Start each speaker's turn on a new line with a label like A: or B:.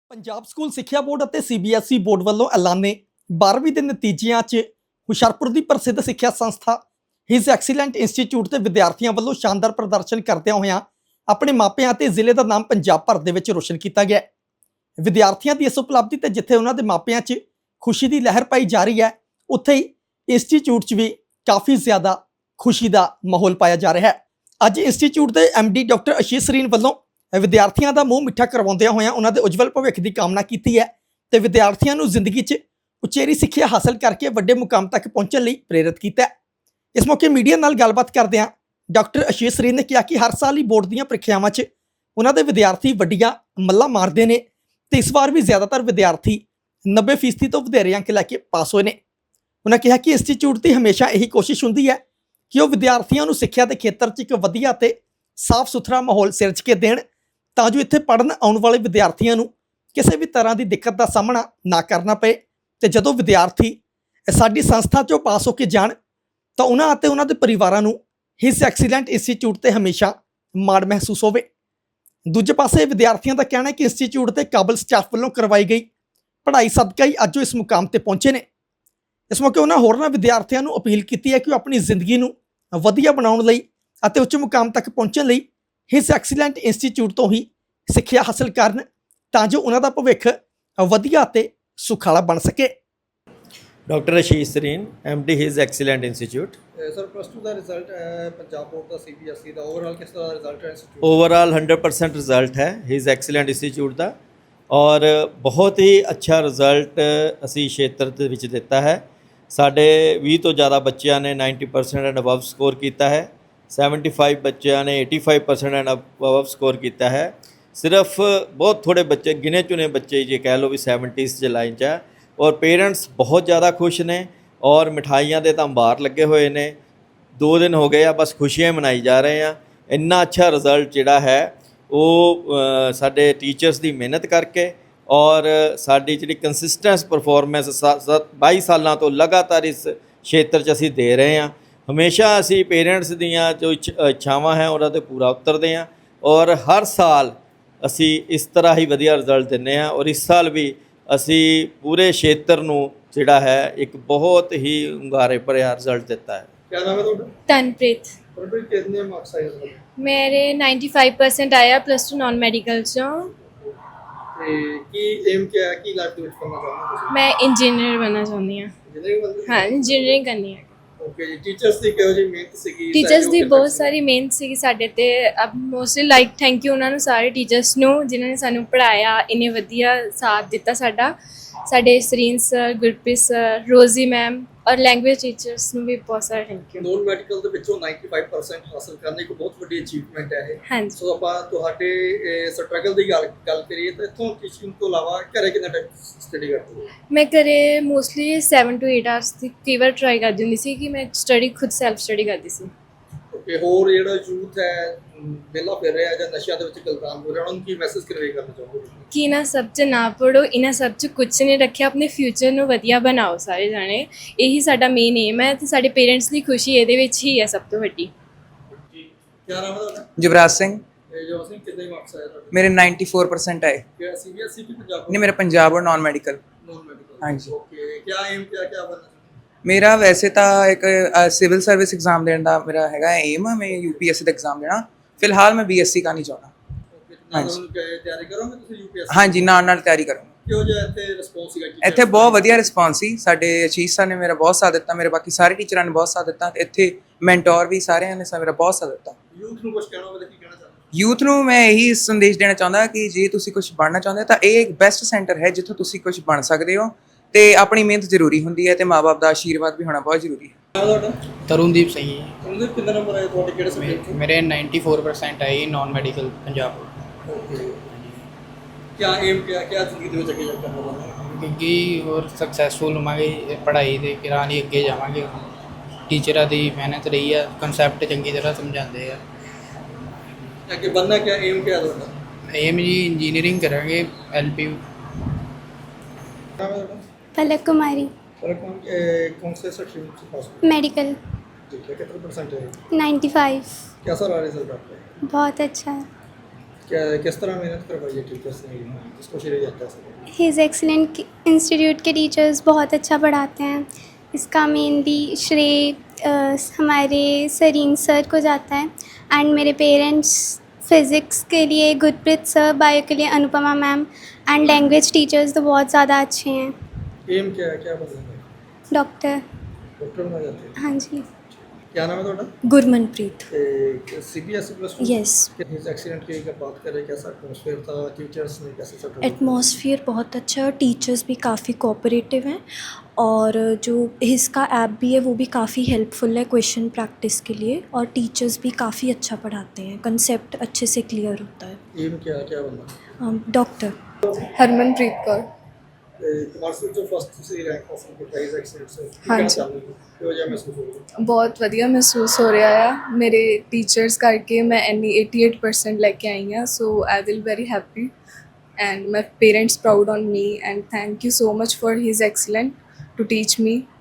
A: Punjab school ਸਿੱਖਿਆ board ਅਤੇ CBSE board ਵੱਲੋਂ ਐਲਾਨੇ 12ਵੀਂ ਦੇ ਨਤੀਜਿਆਂ 'ਚ ਹੁਸ਼ਿਆਰਪੁਰ ਦੀ ਪ੍ਰਸਿੱਧ ਸਿੱਖਿਆ ਸੰਸਥਾ ਹਿਜ਼ ਐਕਸੀਲੈਂਟ ਇੰਸਟੀਚਿਊਟ ਦੇ ਵਿਦਿਆਰਥੀਆਂ ਵੱਲੋਂ ਸ਼ਾਨਦਾਰ ਪ੍ਰਦਰਸ਼ਨ ਕਰਦਿਆਂ ਹੋਇਆਂ ਆਪਣੇ ਮਾਪਿਆਂ ਅਤੇ ਜ਼ਿਲ੍ਹੇ ਦਾ ਨਾਮ ਪੰਜਾਬ ਭਰ ਦੇ ਵਿੱਚ ਰੋਸ਼ਨ ਕੀਤਾ ਗਿਆ। ਵਿਦਿਆਰਥੀਆਂ ਦੀ ਇਸ ਉਪਲਬਧੀ ਤੇ ਜਿੱਥੇ ਉਹਨਾਂ ਦੇ ਮਾਪਿਆਂ 'ਚ ਖੁਸ਼ੀ ਦੀ ਲਹਿਰ ਪਾਈ ਜਾ ਰਹੀ ਹੈ, ਉੱਥੇ ਹੀ ਇੰਸਟੀਚਿਊਟ 'ਚ ਵੀ ਕਾਫੀ ਜ਼ਿਆਦਾ ਖੁਸ਼ੀ ਦਾ ਮਾਹੌਲ ਪਾਇਆ ਜਾ ਰਿਹਾ ਹੈ। ਅੱਜ ਇੰਸਟੀਚਿਊਟ ਦੇ ਐਮਡੀ ਡਾਕਟਰ ਅਸ਼ੀਸ਼ ਸਰੀਨ ਵੱਲੋਂ ਵਿਦਿਆਰਥੀਆਂ ਦਾ ਮੂੰਹ ਮਿੱਠਾ ਕਰਵਾਉਂਦਿਆਂ ਹੋਇਆਂ ਉਹਨਾਂ ਦੇ ਉਜਵਲ ਭਵਿੱਖ ਦੀ ਕਾਮਨਾ ਕੀਤੀ ਹੈ ਤੇ ਵਿਦਿਆਰਥੀਆਂ ਨੂੰ ਜ਼ਿੰਦਗੀ 'ਚ ਉਚੇਰੀ ਸਿੱਖਿਆ ਹਾਸਲ ਕਰਕੇ ਵੱਡੇ ਮੁਕਾਮ ਤੱਕ ਪਹੁੰਚਣ ਲਈ ਪ੍ਰੇਰਿਤ ਕੀਤਾ ਹੈ। ਇਸ ਮੌਕੇ ਮੀਡੀਆ ਨਾਲ ਗੱਲਬਾਤ ਕਰਦਿਆਂ ਡਾਕਟਰ ਅਸ਼ੀਸ਼ ਸਰੀਨ ਨੇ ਕਿਹਾ ਕਿ ਹਰ ਸਾਲ ਹੀ ਬੋਰਡ ਦੀਆਂ ਪ੍ਰੀਖਿਆਵਾਂ 'ਚ ਉਹਨਾਂ ਦੇ ਵਿਦਿਆਰਥੀ ਵੱਡੀਆਂ ਮੱਲਾਂ ਮਾਰਦੇ ਨੇ ਤੇ ਇਸ ਵਾਰ ਵੀ ਜ਼ਿਆਦਾਤਰ ਵਿਦਿਆਰਥੀ 90% ਤੋਂ ਵਧੇਰੇ ਅੰਕ ਲੈ ਕੇ ਪਾਸ ਹੋਏ ਨੇ। ਉਹਨਾਂ ਕਿਹਾ ਕਿ ਇੰਸਟੀਚਿਊਟ ਦੀ ਹਮੇਸ਼ਾ ਇਹੀ ਕੋਸ਼ਿਸ਼ ਹੁੰਦੀ ਹੈ ਕਿ ਉਹ ਵਿਦਿਆਰਥੀਆਂ ਨੂੰ ਸਿੱਖਿਆ ਦੇ ਖੇਤਰ 'ਚ ਇੱਕ ਵਧੀਆ ਤੇ ਸਾਫ਼ ਸੁਥਰਾ ਮਾਹੌਲ ਸਿਰਜ ਕੇ ਦੇਣ ਤਾਂ ਜੋ ਇੱਥੇ ਪੜ੍ਹਨ ਆਉਣ ਵਾਲੇ ਵਿਦਿਆਰਥੀਆਂ ਨੂੰ ਕਿਸੇ ਵੀ ਤਰ੍ਹਾਂ ਦੀ ਦਿੱਕਤ ਦਾ ਸਾਹਮਣਾ ਨਾ ਕਰਨਾ ਪਏ ਤੇ ਜਦੋਂ ਵਿਦਿਆਰਥੀ ਸਾਡੀ ਸੰਸਥਾ 'ਚੋਂ ਪਾਸ ਹੋ ਕੇ ਜਾਣ ਤਾਂ ਉਹਨਾਂ ਅਤੇ ਉਹਨਾਂ ਦੇ ਪਰਿਵਾਰਾਂ ਨੂੰ ਹਿਜ਼ ਐਕਸੀਲੈਂਟ ਇੰਸਟੀਚਿਊਟ ਤੇ ਹਮੇਸ਼ਾ ਮਾਣ ਮਹਿਸੂਸ ਹੋਵੇ। ਦੂਜੇ ਪਾਸੇ ਵਿਦਿਆਰਥੀਆਂ ਦਾ ਕਹਿਣਾ ਹੈ ਕਿ ਇੰਸਟੀਚਿਊਟ ਤੇ ਕਾਬਲ ਸਟਾਫ ਵੱਲੋਂ ਕਰਵਾਈ ਗਈ ਪੜ੍ਹਾਈ ਸਦਕਾ ਹੀ ਅੱਜ ਉਹ ਇਸ ਮੁਕਾਮ ਤੇ ਪਹੁੰਚੇ ਨੇ। ਇਸ ਮੌਕੇ ਉਹਨਾਂ ਹੋਰਨਾਂ ਵਿਦਿਆਰਥੀਆਂ ਨੂੰ ਅਪੀਲ ਕੀਤੀ ਹੈ ਕਿ ਉਹ ਆਪਣੀ ਜ਼ਿੰਦਗੀ ਨੂੰ ਵਧੀਆ ਬਣਾਉਣ ਲਈ ਅਤੇ ਉੱਚ ਮੁਕਾਮ ਤੱਕ ਪਹੁੰਚਣ ਲਈ ਹਿਜ਼ ਐਕਸੀਲੈਂਟ ਇੰਸਟੀਚਿਊਟ ਤੋਂ ਹੀ ਸਿੱਖਿਆ ਹਾਸਲ ਕਰਨ ਤਾਂ ਜੋ ਉਹਨਾਂ ਦਾ ਭਵਿੱਖ ਵਧੀਆ ਅਤੇ ਸੁਖਾਲਾ ਬਣ ਸਕੇ।
B: Doctor Ashish Sareen MD his excellent institute.
C: Sir +2 ਦਾ ਰਿਜ਼ਲਟ ਪੰਜਾਬ ਬੋਰਡ ਦਾ ਸੀਬੀਐਸਈ ਦਾ ਓਵਰਆਲ ਕਿਸ ਤਰ੍ਹਾਂ ਦਾ ਰਿਜ਼ਲਟ ਹੈ ਇੰਸਟੀਚਿਊਟ?
B: ਓਵਰਆਲ 100% ਰਿਜ਼ਲਟ ਹੈ ਹਿਜ਼ ਐਕਸੀਲੈਂਟ ਇੰਸਟੀਚਿਊਟ ਦਾ ਔਰ ਬਹੁਤ ਹੀ ਅੱਛਾ ਰਿਜ਼ਲਟ ਅਸੀਂ ਖੇਤਰ ਦੇ ਵਿੱਚ ਦਿੱਤਾ ਹੈ। ਸਾਡੇ 20 ਤੋਂ ਜ਼ਿਆਦਾ ਬੱਚਿਆਂ ਨੇ 90% ਐਂਡ ਅਬਵ ਸਕੋਰ ਕੀਤਾ ਹੈ। 75 ਬੱਚਿਆਂ ਨੇ 85% ਐਂਡ ਅਬਵ ਸਕੋਰ ਕੀਤਾ ਹੈ। ਸਿਰਫ ਬਹੁਤ ਥੋੜ੍ਹੇ ਬੱਚੇ ਗਿਣੇ ਚੁਣੇ ਬੱਚੇ ਜੇ ਕਹਿ ਲਓ ਵੀ 70s 'ਚ ਲਾਈਨ 'ਚ ਹੈ ਔਰ ਪੇਰੈਂਟਸ ਬਹੁਤ ਜ਼ਿਆਦਾ ਖੁਸ਼ ਨੇ ਔਰ ਮਿਠਾਈਆਂ ਦੇ ਤਾਂ ਅੰਬਾਰ ਲੱਗੇ ਹੋਏ ਨੇ। 2 ਦਿਨ ਹੋ ਗਏ ਆ ਬਸ ਖੁਸ਼ੀਆਂ ਮਨਾਈ ਜਾ ਰਹੇ ਆ। ਇੰਨਾ ਅੱਛਾ ਰਿਜ਼ਲਟ ਜਿਹੜਾ ਹੈ ਉਹ ਸਾਡੇ ਟੀਚਰਸ ਦੀ ਮਿਹਨਤ ਕਰਕੇ ਔਰ ਸਾਡੀ ਜਿਹੜੀ ਕੰਸਿਸਟੈਂਸ ਪਰਫੋਰਮੈਂਸ 22 ਸਾਲਾਂ ਤੋਂ ਲਗਾਤਾਰ ਇਸ ਖੇਤਰ 'ਚ ਅਸੀਂ ਦੇ ਰਹੇ ਹਾਂ। ਹਮੇਸ਼ਾ ਅਸੀਂ ਪੇਰੈਂਟਸ ਦੀਆਂ ਜੋ ਇੱਛਾਵਾਂ ਹੈ ਉਹਨਾਂ 'ਤੇ ਪੂਰਾ ਉਤਰਦੇ ਹਾਂ ਔਰ ਹਰ ਸਾਲ ਅਸੀਂ ਇਸ ਤਰ੍ਹਾਂ ਹੀ ਵਧੀਆ ਰਿਜ਼ਲਟ ਦਿੰਦੇ ਹਾਂ ਔਰ ਇਸ ਸਾਲ ਵੀ ਅਸੀਂ ਪੂਰੇ ਖੇਤਰ ਨੂੰ ਜਿਹੜਾ ਹੈ ਇੱਕ ਬਹੁਤ ਹੀ ਹੁੰਗਾਰੇ ਭਰਿਆ ਰਿਜ਼ਲਟ ਦਿੱਤਾ ਹੈ।
C: क्या नाम है ਤੁਹਾਡਾ?
D: तनप्रीत।
C: तनप्रीत कितने मार्क्स आए इसमें?
D: मेरे 95% आया +2 नॉन मैडिकल चों।
C: ਤੇ ਕੀ ਏਮ ਕਿਆ ਹੈ, ਕੀ ਲਾਈਫ ਦੇ ਵਿੱਚ ਕਰਨਾ ਚਾਹੁੰਦੇ ਹੋ ਤੁਸੀਂ?
D: मैं इंजीनियर बनना चाहती हूँ।
C: ਇੰਜੀਨੀਅਰਿੰਗ ਬੰਦੇ?
D: हाँ इंजीनियरिंग करनी है।
C: ਓਕੇ ਜੀ। ਟੀਚਰਸ ਦੀ ਕਿਹੋ ਜਿਹੀ ਮਿਹਨਤ ਸੀਗੀ?
D: ਟੀਚਰਸ ਦੀ ਬਹੁਤ ਸਾਰੀ ਮਿਹਨਤ ਸੀ ਸਾਡੇ ਤੇ। ਅਬ ਮੋਸਟਲੀ ਲਾਈਕ ਥੈਂਕ ਯੂ ਉਹਨਾਂ ਨੂੰ, ਸਾਰੇ ਟੀਚਰਸ ਨੂੰ ਜਿਨ੍ਹਾਂ ਨੇ ਸਾਨੂੰ ਪੜ੍ਹਾਇਆ, ਇੰਨੇ ਵਧੀਆ ਸਾਥ ਦਿੱਤਾ ਸਾਡਾ। ਸਾਡੇ Sareen sir, Gurpreet sir, Rosie ma'am ਔਰ ਲੈਂਗੁਏਜ ਟੀਚਰਸ ਨੂੰ ਵੀ ਬਹੁਤ ਸਾਰਾ ਥੈਂਕ ਯੂ।
C: ਨੋਨ ਮੈਡੀਕਲ ਦੇ ਵਿੱਚੋਂ 95% ਹਾਸਲ ਕਰਨਾ ਇੱਕ ਬਹੁਤ ਵੱਡੀ ਅਚੀਵਮੈਂਟ ਹੈ ਇਹ।
D: ਹਾਂਜੀ।
C: ਸੋ ਆਪਾਂ ਤੁਹਾਡੇ ਸਟਰਗਲ ਦੀ ਗੱਲ ਕਰੀਏ ਤਾਂ ਇੱਥੋਂ ਟੀਚਿੰਗ ਤੋਂ ਇਲਾਵਾ ਘਰੇ ਕਿੰਨਾ ਟਾਈਮ ਸਟੱਡੀ ਕਰਦੇ ਹੋ?
D: ਮੈਂ ਘਰੇ ਮੋਸਟਲੀ 7 to 8 ਆਵਰਸ ਦੀ ਕਈ ਵਾਰ ਟਰਾਈ ਕਰਦੀ ਹੁੰਦੀ ਸੀ ਕਿ ਮੈਂ ਸਟੱਡੀ ਖੁਦ ਸੈਲਫ ਸਟੱਡੀ ਕਰਦੀ ਸੀ।
C: ਓਕੇ। ਹੋਰ ਜਿਹੜਾ ਯੂਥ ਹੈ ਵਿਹਲਾ ਫਿਰ ਰਿਹਾ ਜਾਂ ਨਸ਼ਿਆਂ ਦੇ ਵਿੱਚ ਗਲਤਾਨ ਹੋ ਰਿਹਾ, ਉਹਨਾਂ ਨੂੰ ਕੀ ਮੈਸੇਜ ਕਨਵੇ ਕਰਨਾ ਚਾਹੋਗੇ?
D: ਕਿ ਇਹਨਾਂ ਸਭ 'ਚ ਨਾ ਪੜੋ, ਇਹਨਾਂ ਸਭ 'ਚ ਕੁਛ ਨਹੀਂ ਰੱਖਿਆ, ਆਪਣੇ ਫਿਊਚਰ ਨੂੰ ਵਧੀਆ ਬਣਾਓ ਸਾਰੇ ਜਾਣੇ। ਇਹੀ ਸਾਡਾ ਮੇਨ ਏਮ ਹੈ ਤੇ ਸਾਡੇ ਪੇਰੈਂਟਸ ਦੀ ਖੁਸ਼ੀ ਇਹਦੇ ਵਿੱਚ ਹੀ ਹੈ ਸਭ ਤੋਂ ਵੱਡੀ।
C: ਜੀ। ਕੀ ਨਾਮ ਹੈ ਤੁਹਾਡਾ?
E: युवराज सिंह।
C: ਜੋ ਸਿੰਘ ਕਿੰਨੇ ਮਾਰਕਸ ਆਏ ਤੁਹਾਡੇ?
E: मेरे 94% आए।
C: क्या सीबीएसई की पंजाब?
E: नहीं, मेरा पंजाब और नॉन मेडिकल।
C: Non medical.
E: हाँ जी।
C: ओके। क्या एम क्या क्या बनना?
E: मेरा वैसे तो एक सिविल सर्विस एग्जाम देने का मेरा हैगा एम, मैं यूपीएससी का एग्जाम देना। फिलहाल मैं बीएससी का नहीं चाहता।
C: ओके। ਨਾਲ ਤਿਆਰੀ ਕਰੋਗੇ ਤੁਸੀਂ यूपीएससी?
E: हाँ जी, नाल ਤਿਆਰੀ ਕਰਾਂਗਾ।
C: ਕਿਉਂ ਜੇ ਇੱਥੇ ਰਿਸਪੌਂਸ ਸੀਗਾ?
E: ਇੱਥੇ ਬਹੁਤ ਵਧੀਆ ਰਿਸਪੌਂਸ ਸੀ। ਸਾਡੇ ਅਸ਼ੀਸ਼ ਸਰ ਨੇ ਮੇਰਾ ਬਹੁਤ ਸਾਥ ਦਿੱਤਾ, ਮੇਰੇ ਬਾਕੀ ਸਾਰੇ ਟੀਚਰਾਂ ਨੇ ਬਹੁਤ ਸਾਥ ਦਿੱਤਾ ਤੇ ਇੱਥੇ ਮੈਂਟੋਰ ਵੀ ਸਾਰਿਆਂ ਨੇ ਮੇਰਾ ਬਹੁਤ ਸਾਥ ਦਿੱਤਾ।
C: ਯੂਥ ਨੂੰ ਕੁਝ ਕਹਿਣਾ ਹੋਵੇ ਤਾਂ ਕੀ ਕਹਿਣਾ ਚਾਹੁੰਦੇ?
E: ਯੂਥ ਨੂੰ ਮੈਂ ਇਹੀ ਸੰਦੇਸ਼ ਦੇਣਾ ਚਾਹੁੰਦਾ ਕਿ ਜੇ ਤੁਸੀਂ ਕੁਝ ਬਣਨਾ ਚਾਹੁੰਦੇ ਤਾਂ ਇਹ ਇੱਕ ਬੈਸਟ ਸੈਂਟਰ ਹੈ ਜਿੱਥੋਂ ਤੁਸੀਂ ਕੁਝ ਬਣ ਸਕਦੇ ਹੋ ਤੇ ਆਪਣੀ ਮਿਹਨਤ ਜ਼ਰੂਰੀ ਹੁੰਦੀ ਹੈ ਤੇ ਮਾਂ-ਬਾਪ ਦਾ ਆਸ਼ੀਰਵਾਦ ਵੀ ਹੋਣਾ ਬਹੁਤ ਜ਼ਰੂਰੀ ਹੈ।
C: ਤੁਹਾਡਾ?
F: ਤਰੁਣਦੀਪ ਸਿੰਘ ਜੀ।
C: ਉਹਦੇ ਕਿੰਨੇ ਨੰਬਰ ਆਏ ਤੁਹਾਡੇ ਕਿਹੜੇ ਸਬਜੈਕਟ?
F: ਮੇਰੇ 94% ਆਏ ਨॉन ਮੈਡੀਕਲ ਪੰਜਾਬ।
C: ਓਕੇ। क्या एम क्या क्या ਜ਼ਿੰਦਗੀ ਦੇ ਵਿੱਚ ਅੱਗੇ ਕਰਨਾ ਚਾਹੁੰਦੇ ਹੋ?
F: ਕਿਉਂਕਿ ਹੋਰ ਸਕਸੈਸਫੁਲ ਹੋਵਾਂਗੇ ਪੜ੍ਹਾਈ ਦੇ ਕਿਰਾਂ ਲਈ ਅੱਗੇ ਜਾਵਾਂਗੇ। ਟੀਚਰਾਂ ਦੀ ਮਿਹਨਤ ਰਹੀ ਆ, ਕਨਸੈਪਟ ਚੰਗੀ ਤਰ੍ਹਾਂ ਸਮਝਾਉਂਦੇ ਆ।
C: ਅੱਗੇ बनना क्या एम क्या ਤੁਹਾਡਾ?
F: ਏਮ ਜੀ ਇੰਜੀਨੀਅਰਿੰਗ ਕਰਾਂਗੇ LPU।
C: नाम है ਤੁਹਾਡਾ?
G: पलक कुमारी।
C: और कौन से सेक्शन से पास हुए?
G: मेडिकल।
C: ठीक है। कितने परसेंट है?
G: 95।
C: कैसा रहा रिजल्ट आपका?
G: बहुत अच्छा है।
C: क्या किस तरह मेहनत करवाई है टीचर्स ने, इसको श्रेय जाता है सर?
G: हिज एक्सीलेंट इंस्टीट्यूट के टीचर्स बहुत अच्छा पढ़ाते हैं। इसका मेनली श्रेय हमारे सरीन सर को जाता है एंड मेरे पेरेंट्स फिज़िक्स के लिए गुरप्रीत सर, बायो के लिए Anupama ma'am and language teachers तो बहुत ज़्यादा अच्छे हैं।
C: एम क्या है, क्या बनना है?
G: डॉक्टर।
C: डॉक्टर बनना चाहते हैं?
G: हाँ जी।
C: क्या नाम है ਤੁਹਾਡਾ?
H: Gurmanpreet.
C: CBSE plus
H: Yes.
C: His excellent की अगर बात करें, कैसा एटमॉस्फेयर था, टीचर्स ने कैसे सपोर्ट?
H: एटमॉस्फेयर बहुत अच्छा है और टीचर्स भी काफ़ी कोऑपरेटिव हैं और जो इसका ऐप भी है वो भी काफ़ी हेल्पफुल है क्वेश्चन प्रैक्टिस के लिए और टीचर्स भी काफ़ी अच्छा पढ़ाते हैं, कंसेप्ट अच्छे से क्लियर होता है।
C: एम क्या क्या बनना?
H: डॉक्टर।
I: हरमनप्रीत कौर।
C: ਕਮਰਸ਼ੀਅਲ ਜੋ ਫਸਟ ਤੁਸੀਂ ਰੈਂਕ ਹਾਸਲ ਕੀਤਾ ਇਸ ਐਕਸੀਲੈਂਟ ਸੇ
I: ਹਾਂਜੀ।
C: ਕਿਹੋ ਜਿਹਾ ਮਹਿਸੂਸ ਹੋ ਰਿਹਾ?
I: ਬਹੁਤ ਵਧੀਆ ਮਹਿਸੂਸ ਹੋ ਰਿਹਾ ਆ, ਮੇਰੇ ਟੀਚਰਸ ਕਰਕੇ ਮੈਂ ਇੰਨੀ 88% ਲੈ ਕੇ ਆਈ ਹਾਂ, so I will very happy and my parents proud on me and thank you so much for his excellent to teach me